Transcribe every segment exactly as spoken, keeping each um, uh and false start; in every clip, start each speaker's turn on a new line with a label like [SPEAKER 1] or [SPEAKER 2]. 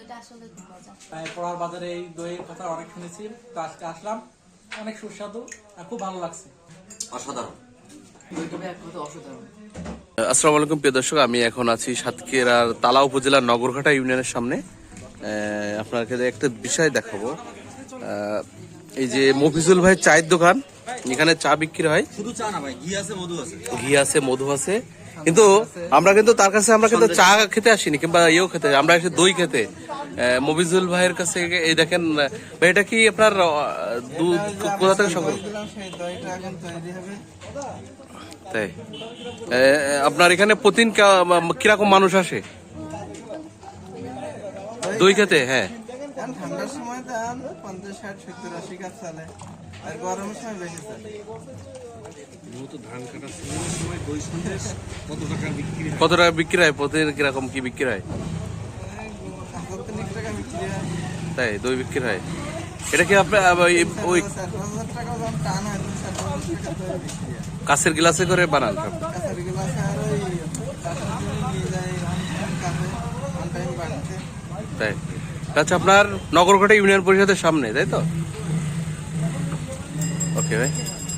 [SPEAKER 1] দইটা আসলে খুব মজা।
[SPEAKER 2] পোড়ার বাজারে এই দইয়ের কথা অনেক শুনেছি, তো আজকে আসলাম, অনেক সুস্বাদু আর খুব ভালো লাগছে,
[SPEAKER 3] অসাধারণ।
[SPEAKER 4] আসসালামু আলাইকুম প্রিয় দর্শক, আমি এখন আছি সাতক্ষীরার তালা উপজেলার নগরঘাটা ইউনিয়নের সামনে। আপনাকে একটা বিষয় দেখাবো, এই যে মফিজুল ভাই চায়ের দোকান, এখানে চা বিক্রি হয়।
[SPEAKER 3] শুধু চা না ভাই, ঘি আছে, মধু আছে।
[SPEAKER 4] ঘি আছে, মধু আছে, কিন্তু আমরা কিন্তু তার কাছে আমরা কিন্তু চা খেতে আসিনি কিংবা ইয়েও খেতে, আমরা এসে দই খেতে মফিজুল ভাইয়ের কাছে। এই দেখেন ভাই, এটা কি আপনার দুধ কোথা থেকে সংগ্রহ? তাই আপনার এখানে প্রতিদিন কিরকম মানুষ আসে দই খেতে? হ্যাঁ,
[SPEAKER 5] ঠান্ডার সময় দাম পঞ্চাশ ষাট সত্তর আশি কাপ চলে, আর গরমের সময় বেশি চলে।
[SPEAKER 4] কত টাকা বিক্রি হয় প্রতিদিন? কিরকম কি বিক্রি হয়?
[SPEAKER 5] টাকা বিক্রি হয়।
[SPEAKER 4] তাই দই বিক্রি হয়। এটা কি আপনার ওই
[SPEAKER 5] টান হয়
[SPEAKER 4] কাঁচের গ্লাসে করে বানান? সব
[SPEAKER 5] কাঁচের গ্লাসে আর ওই নিয়ে যায় টাইম বানাতে।
[SPEAKER 4] তাই আচ্ছা, আপনার নগরঘাটা ইউনিয়ন পরিষদের সামনে, তাই তো? ওকে ভাই,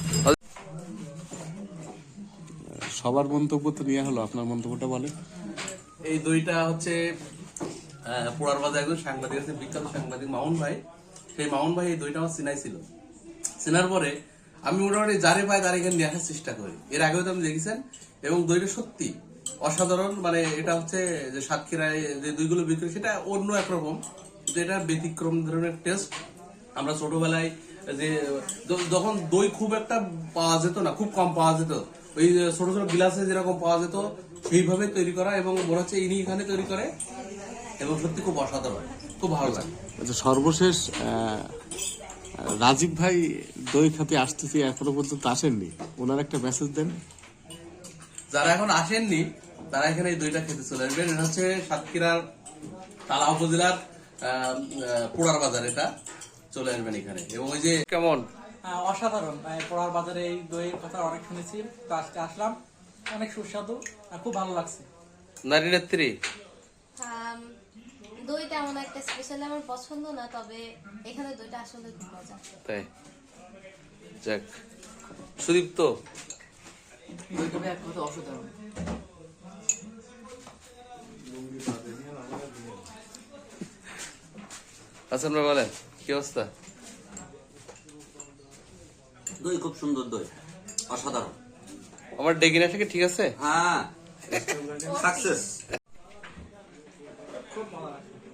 [SPEAKER 6] সবার মন্তব্য তো নেওয়া হলো, আপনার মন্তব্যটা বলেন।
[SPEAKER 4] এই দইটা হচ্ছে পোড়ার বাজার একজন সাংবাদিক আছে, বিখ্যাত সাংবাদিক মামুন ভাই। সেই মামুন ভাই এই দইটা আমার চিনাই ছিল। চেনার পরে আমি মোটামুটি যারে পাই তার এখানে নিয়ে আসার চেষ্টা করি। এর আগেও তো আপনি দেখেছেন, এবং দইটা সত্যি অসাধারণ। মানে এটা হচ্ছে যে সাতক্ষীরায় যে দইগুলো বিক্রি, সেটা অন্য একরকম, কিন্তু এটা ব্যতিক্রম ধরনের টেস্ট। আমরা ছোটবেলায় যে যখন দই খুব একটা পাওয়া যেত না, খুব কম পাওয়া যেত, ওই ছোট ছোট গ্লাসে যেরকম পাওয়া যেত সেইভাবে তৈরি করা, এবং মনে হচ্ছে ইনি এখানে তৈরি করে, এবং সত্যি খুব অসাধারণ, খুব ভালো লাগে।
[SPEAKER 6] আচ্ছা, সর্বশেষ রাজীব ভাই দই খাতে আসতেছি, এখনো পর্যন্ত আসেননি, ওনার একটা মেসেজ দেন।
[SPEAKER 4] যারা এখন আসেননি তারা এখানে এই দইটা খেতে চলে আসবেন। এটা হচ্ছে সাতক্ষীরার তালা উপজেলার পোড়ার বাজার, এটা চলে আসবেন এখানে। এবং ওই যে কেমন
[SPEAKER 2] অসাধারণ। পোড়ার বাজারে এই দইয়ের কথা অনেক শুনেছি, তো আজকে আসলাম, অনেক সুস্বাদু আর খুব ভালো লাগছে।
[SPEAKER 4] নারী নেত্রী
[SPEAKER 1] দই তেমন একটা স্পেশালি আমার পছন্দ না, তবে এখানে দইটা আসলে খুব মজা।
[SPEAKER 4] তাই যাক, সুদীপ্ত
[SPEAKER 7] অসাধারণ।
[SPEAKER 4] আচ্ছা, আপনারা বলেন কি অবস্থা?
[SPEAKER 3] দই খুব সুন্দর, দই অসাধারণ।
[SPEAKER 4] আমার ডেগিনাটা কি ঠিক আছে?
[SPEAKER 3] হ্যাঁ, সাকসেস।
[SPEAKER 2] খুব ভালো লাগছে।